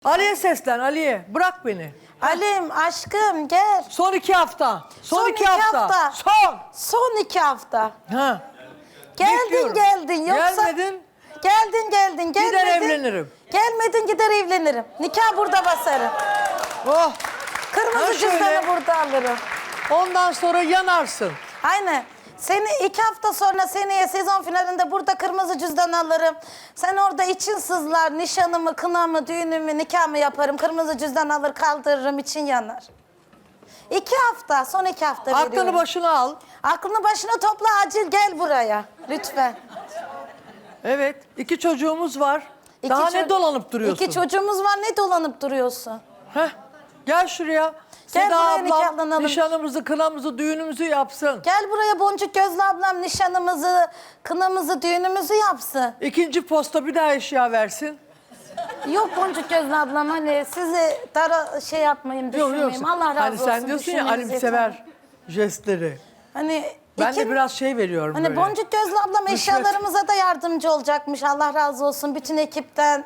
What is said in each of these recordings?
Ali'ye seslen, Ali'ye. Bırak beni. Alim aşkım gel. Son 2 hafta. Son 2 iki hafta. Son. Son 2 hafta. Ha. Geldin Bekliyorum. geldin yoksa. Gelmedin. Geldin. Gider evlenirim. Gelmedin gider evlenirim. Nikah burada basarım. Oh. Kırmızı Ha şöyle. cüzdanı burada alırım. Ondan sonra yanarsın. Aynen. Seni 2 hafta sonra seneye sezon finalinde burada kırmızı cüzdan alırım. Sen orada için sızlar, nişanımı, kınamı, düğünümü, nikahımı yaparım. Kırmızı cüzdan alır kaldırırım, için yanar. 2 hafta, son 2 hafta veriyorum. Aklını başına al. Aklını başına topla, acil gel buraya. Lütfen. Evet. 2 çocuğumuz var. Daha ne dolanıp duruyorsun? 2 çocuğumuz var, ne dolanıp duruyorsun? Heh. Gel şuraya. Gel Seda buraya, ablam nikahlanalım. nişanımızı, kınamızı, düğünümüzü yapsın. Gel buraya Boncuk Gözlü ablam nişanımızı, kınamızı, düğünümüzü yapsın. 2. posta bir daha eşya versin. Yok Boncuk Gözlü ablam, hani sizi şey yapmayayım, düşünmeyeyim. Allah razı hani olsun. sen diyorsun ya düşünmeniz Alim sever jestleri. Hani Ben de biraz şey veriyorum Hani böyle. Boncuk Gözlü ablam Rüşvet. eşyalarımıza da yardımcı olacakmış. Allah razı olsun bütün ekipten.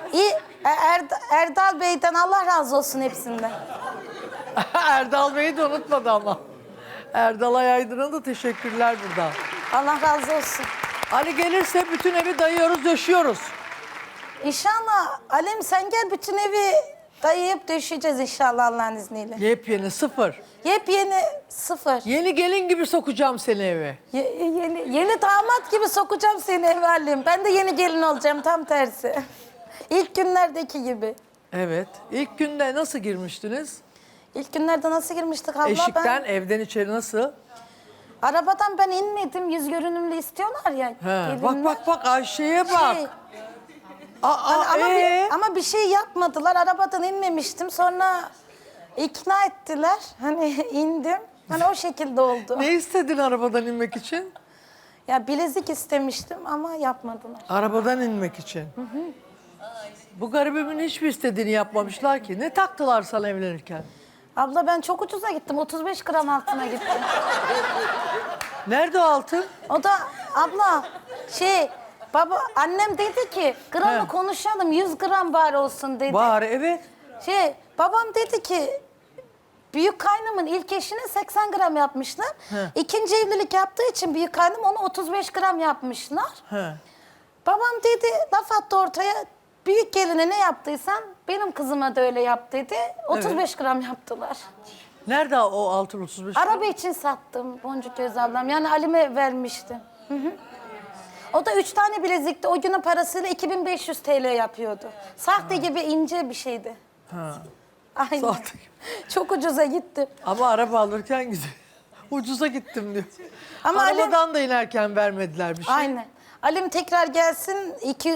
Erdal Bey'den Allah razı olsun hepsinden. Erdal Bey'i de unutmadı ama. Erdal Ayaydın'a da teşekkürler buradan. Allah razı olsun. Ali gelirse bütün evi dayıyoruz, döşüyoruz. İnşallah Alim sen gel, bütün evi dayayıp döşeyeceğiz inşallah Allah'ın izniyle. Yepyeni, sıfır. Yepyeni, sıfır. Yeni gelin gibi sokacağım seni eve. Yeni damat gibi sokacağım seni eve Alim. Ben de yeni gelin olacağım, tam tersi. İlk günlerdeki gibi. Evet. İlk günde nasıl girmiştiniz? İlk günlerde nasıl girmiştik abla? Eşikten, evden içeri nasıl? Arabadan ben inmedim. Yüz görünümlü istiyorlar ya. He. gelinler. Bak Ayşe'ye bak. Şey, Aa, ama bir şey yapmadılar. Arabadan inmemiştim. Sonra ikna ettiler. Hani indim. Hani o şekilde oldu. Ne istedin arabadan inmek için? Ya bilezik istemiştim ama yapmadılar. Arabadan inmek için. Bu garibimin hiçbir istediğini yapmamışlar ki. Ne taktılar sana evlenirken? Abla ben çok ucuza gittim. 35 gram altına gittim. Nerede o altın? O da abla annem dedi ki gramı He. konuşalım, 100 gram bari olsun dedi. Bari evet. Babam dedi ki büyük kaynımın ilk eşine 80 gram yapmışlar. He. İkinci evlilik yaptığı için büyük kaynım onu 35 gram yapmışlar. He. Babam dedi, laf attı ortaya, büyük geline ne yaptıysan benim kızıma da öyle yap dedi. 35 gram yaptılar. Nerede o altın 35? Araba için sattım Boncuk Göz ablam. Yani Alim'e vermiştim. Hı hı. O da 3 tane bilezikti. O günün parasıyla 2500 TL yapıyordu. Sahte gibi ince bir şeydi. Ha. Aynen. Sahte gibi. Çok ucuza gitti. Ama araba alırken gidiyor. Ucuza gittim diyor. Ama Arabadan da inerken vermediler bir şey. Aynen. Alim tekrar gelsin,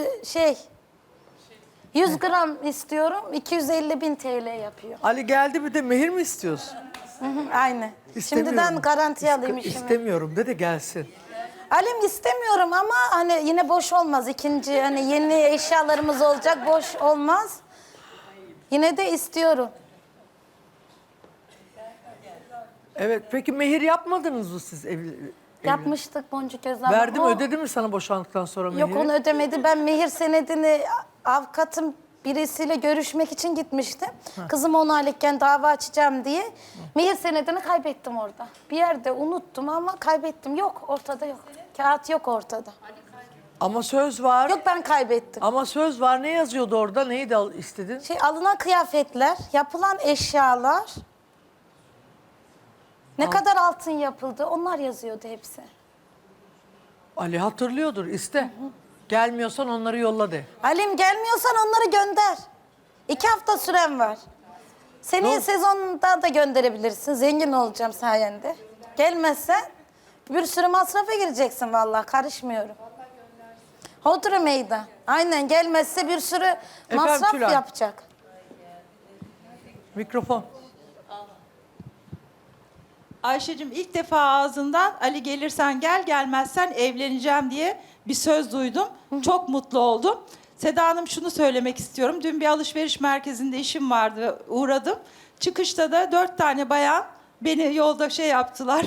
100 gram istiyorum, 250.000 TL yapıyor. Ali geldi bir de mehir mi istiyorsun? Hı hı, aynen. İstemiyorum. Şimdiden garanti alayım işimi. İstemiyorum de gelsin. Alim istemiyorum ama hani yine boş olmaz. İkinci hani yeni eşyalarımız olacak, boş olmaz. Yine de istiyorum. Evet peki mehir yapmadınız mı siz evli? Yapmıştık Boncuk Özlem. Verdi mi ödedi mi sana boşandıktan sonra mehiri? Yok onu ödemedi. Ben mehir senedini avukatım birisiyle görüşmek için gitmiştim. Kızım 10 aylıkken dava açacağım diye. Mehir senedini kaybettim orada. Bir yerde unuttum ama kaybettim. Yok, ortada yok. Kağıt yok ortada. Ama söz var. Yok, ben kaybettim. Ama söz var. Ne yazıyordu orada? Neydi istedin? Alınan kıyafetler, yapılan eşyalar, ne kadar altın yapıldı, onlar yazıyordu hepsi. Ali hatırlıyordur. İste. Gelmiyorsan onları yolla de. Alim gelmiyorsan onları gönder. 2 hafta süren var. Seneye sezonda da gönderebilirsin. Zengin olacağım sayende. Gelmezsen bir sürü masrafa gireceksin vallahi, karışmıyorum. Hodri meydan. Aynen, gelmezse bir sürü masraf Tülay. yapacak. Mikrofon. Ayşe'cim ilk defa ağzından Ali gelirsen gel, gelmezsen evleneceğim diye bir söz duydum. Çok mutlu oldum. Seda Hanım, şunu söylemek istiyorum. Dün bir alışveriş merkezinde işim vardı, uğradım. Çıkışta da 4 tane bayan beni yolda yaptılar.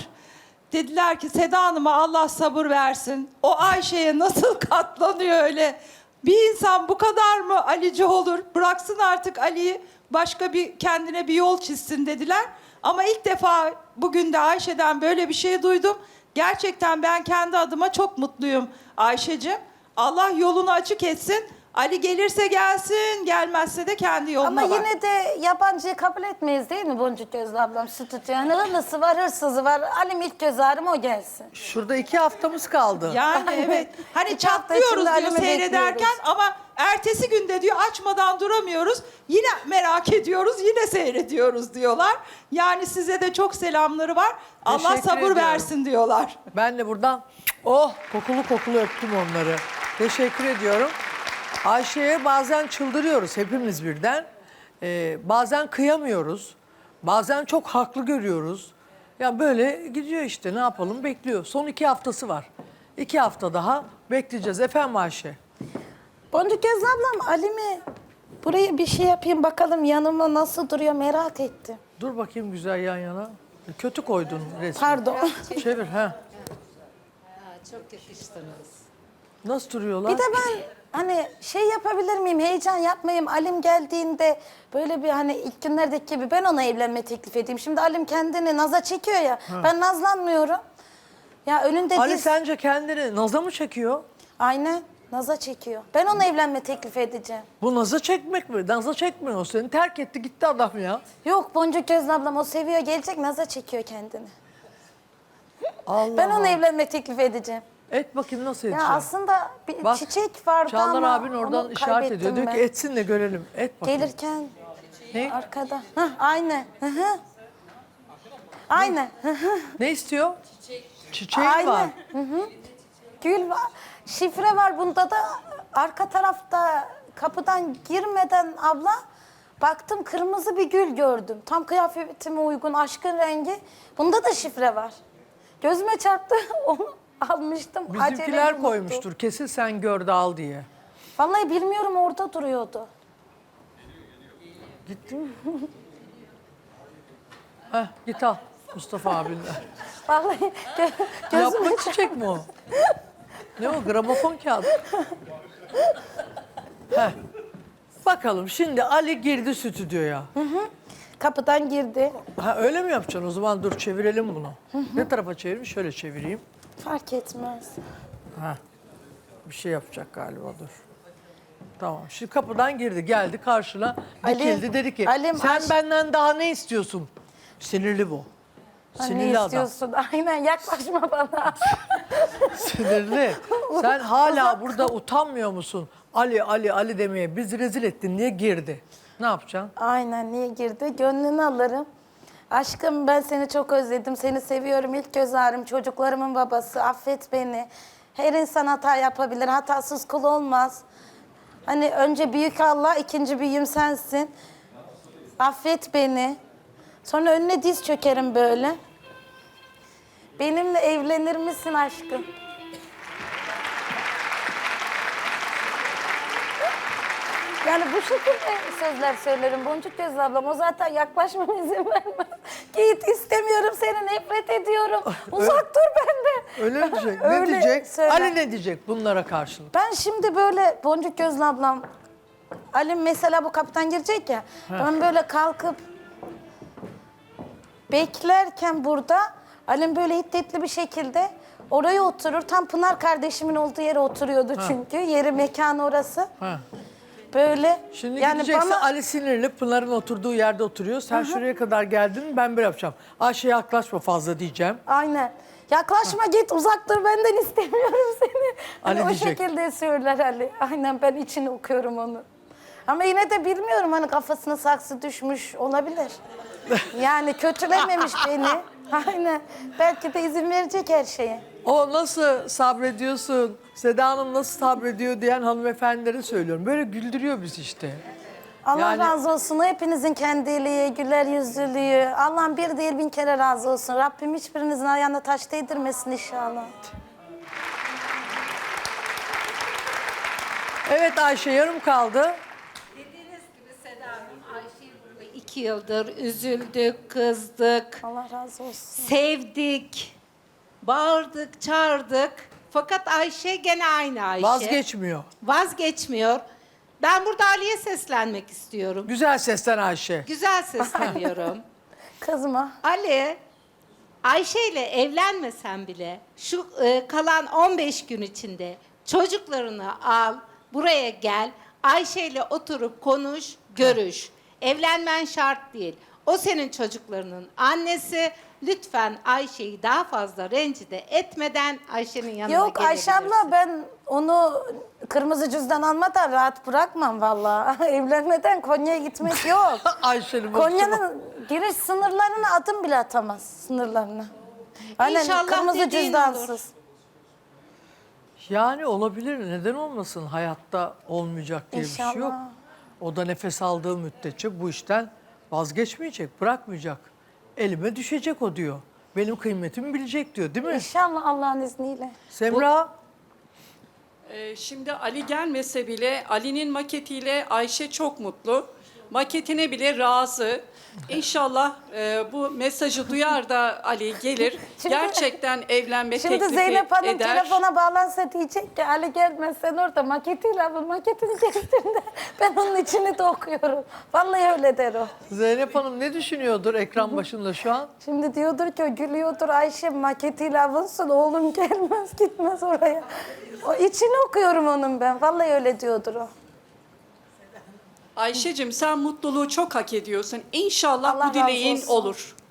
Dediler ki Seda Hanım'a Allah sabır versin. O Ayşe'ye nasıl katlanıyor öyle. Bir insan bu kadar mı Alici olur? Bıraksın artık Ali'yi, başka bir kendine bir yol çizsin dediler. Ama ilk defa bugün de Ayşe'den böyle bir şey duydum. Gerçekten ben kendi adıma çok mutluyum Ayşe'cim. Allah yolunu açık etsin. Ali gelirse gelsin, gelmezse de kendi yoluna Ama bak. yine de yabancıyı kabul etmeyiz değil mi Boncuk Gözlü ablam? Stüdyo. Yani hırlısı var, hırsızı var. Alim ilk göz ağrım o gelsin. Şurada 2 haftamız kaldı. Yani evet. Hani İki hafta çatlıyoruz içinde diyor Alim'i seyrederken bekliyoruz. ama ertesi günde diyor açmadan duramıyoruz. Yine merak ediyoruz, yine seyrediyoruz diyorlar. Yani size de çok selamları var. Allah Teşekkür sabır ediyorum. versin diyorlar. Ben de buradan kokulu kokulu öptüm onları. Teşekkür ediyorum. Ayşe'ye bazen çıldırıyoruz hepimiz birden. Bazen kıyamıyoruz. Bazen çok haklı görüyoruz. Ya böyle gidiyor işte, ne yapalım, bekliyor. Son 2 haftası var. 2 hafta daha bekleyeceğiz. Efendim Ayşe? Boncuk Gözlü ablam Alim'i buraya bir şey yapayım bakalım yanıma nasıl duruyor merak ettim. Dur bakayım güzel yan yana. Kötü koydun resmi. Pardon. Çevir ha. Çok yakıştınız. Nasıl duruyorlar? Bir de ben hani şey yapabilir miyim, heyecan yapmayayım. Alim geldiğinde böyle bir hani ilk günlerdeki gibi ben ona evlenme teklif edeyim. Şimdi Alim kendini naza çekiyor ya, ben nazlanmıyorum. Ya önünde Ali diz... sence kendini naza mı çekiyor? Aynen, naza çekiyor. Ben ona evlenme teklif edeceğim. Bu naza çekmek mi? Naza çekmiyor o seni. Terk etti gitti adam ya. Yok Boncuk Gözlü ablam o seviyor, gelecek naza çekiyor kendini. Allah Ben ona Allah. evlenme teklif edeceğim. Et bakayım nasıl Ya edeceğim. aslında bir Bak, çiçek vardı Çağlar ama abin oradan onu işaret ediyor. kaybettim Diyor ben. ki etsin de görelim. Et bakayım. Gelirken Ne? arkada. Hah, aynen. Hı hı. Aynen. Hı hı. Ne istiyor? Çiçeği var. Aynen. Hı hı. Gül var. Şifre var bunda da arka tarafta kapıdan girmeden abla baktım kırmızı bir gül gördüm. Tam kıyafetime uygun aşkın rengi. Bunda da şifre var. Gözüme çarptı onu almıştım. Bizimkiler Acele unuttum. koymuştur. Kesin sen gör de al diye. Vallahi bilmiyorum orada duruyordu. Heh, git al Mustafa abinle. Vallahi gözüme Yapma çiçek mi o? Ne o? Gramofon kağıdı. Heh. Bakalım şimdi Ali girdi stüdyoya. kapıdan girdi. Ha öyle mi yapacaksın? O zaman dur çevirelim bunu. Ne tarafa çevireyim? Şöyle çevireyim. Fark etmez. Ha. Bir şey yapacak galiba dur. Tamam. Şimdi kapıdan girdi, geldi karşına Ali, dikildi dedi ki Alim, sen benden daha ne istiyorsun? Sinirli bu. Ha, Sinirli ne adam. istiyorsun? Aynen yaklaşma bana. Sinirli. Sen hala burada utanmıyor musun? Ali Ali Ali demeye bizi rezil ettin diye girdi. Ne yapacaksın? Aynen niye girdi? Gönlünü alırım. Aşkım ben seni çok özledim. Seni seviyorum. İlk göz ağrım. Çocuklarımın babası. Affet beni. Her insan hata yapabilir. Hatasız kul olmaz. Hani önce büyük Allah, ikinci büyüğüm sensin. Affet beni. Sonra önüne diz çökerim böyle. Benimle evlenir misin aşkım? Yani bu şekilde sözler söylerim Boncuk Gözlü ablam. O zaten yaklaşmama izin vermez. Git istemiyorum seni, nefret ediyorum. Uzak dur benden. Öyle mi diyecek? Ne Öyle diyecek? söyler. Ali ne diyecek bunlara karşılık? Ben şimdi böyle Boncuk Gözlü ablam, Ali mesela bu kapıdan girecek ya. Ben böyle kalkıp beklerken burada Alim böyle hiddetli bir şekilde oraya oturur. Tam Pınar kardeşimin olduğu yere oturuyordu çünkü. Yeri mekanı orası. Ha. Böyle Şimdi yani gideceksin bana Ali sinirli Pınar'ın oturduğu yerde oturuyor. Sen şuraya kadar geldin ben böyle yapacağım. Ayşe yaklaşma fazla diyeceğim. aynen. Yaklaşma git uzak dur benden istemiyorum seni. Hani Ali o diyecek. şekilde söyler Ali. Aynen ben içini okuyorum onu. Ama yine de bilmiyorum hani kafasına saksı düşmüş olabilir. Yani kötülememiş beni. Aynen. Belki de izin verecek her şeye. O nasıl sabrediyorsun, Seda Hanım nasıl sabrediyor diyen hanımefendilere söylüyorum. Böyle güldürüyor bizi işte. Allah Yani- razı olsun. O hepinizin kendiliği, güler yüzlülüğü. Allah'ım bir değil 1000 kere razı olsun. Rabbim hiçbirinizin ayağına taş değdirmesin inşallah. Evet Ayşe yarım kaldı. Dediğiniz gibi Seda Hanım, Ayşe'yi burada 2 yıldır üzüldük, kızdık, Allah razı olsun. sevdik, bağırdık, çağırdık. Fakat Ayşe gene aynı Ayşe. Vazgeçmiyor. Vazgeçmiyor. Ben burada Ali'ye seslenmek istiyorum. Güzel sesten Ayşe. Güzel sesleniyorum. Kızma. Ali, Ayşe ile evlenmesen bile şu kalan 15 gün içinde çocuklarını al, buraya gel. Ayşe ile oturup konuş, görüş. Evlenmen şart değil. O senin çocuklarının annesi. Lütfen Ayşe'yi daha fazla rencide etmeden Ayşe'nin yanına Yok Ayşe gelebilirsin. abla, ben onu kırmızı cüzdan almadan rahat bırakmam vallahi. Evlenmeden Konya'ya gitmek yok. Ayşe'nin Konya'nın giriş sınırlarına adım bile atamaz, sınırlarına. Aynen, İnşallah kırmızı dediğin cüzdansız. Yani olabilir. Neden olmasın? Hayatta olmayacak diye bir şey yok. İnşallah. O da nefes aldığı müddetçe bu işten vazgeçmeyecek, bırakmayacak. Elime düşecek o diyor. Benim kıymetimi bilecek diyor, değil mi? İnşallah Allah'ın izniyle. Semra, Şimdi Ali gelmese bile Ali'nin maketiyle Ayşe çok mutlu. Maketine bile razı. İnşallah bu mesajı duyar da Ali gelir. Şimdi- Gerçekten evlenme Şimdi teklifi Zeynep Hanım eder. telefona bağlansa diyecek ki Ali gelmezsen orada maketiyle al, maketini kestin de ben onun içini de okuyorum. Vallahi öyle der o. Zeynep Hanım ne düşünüyordur ekran başında şu an? Şimdi diyordur ki o gülüyordur, Ayşe maketiyle avunsın, oğlum gelmez gitmez oraya. O içini okuyorum onun ben. Vallahi öyle diyordur o. Ayşe'cim sen mutluluğu çok hak ediyorsun. İnşallah Allah bu dileğin razı olsun. olur.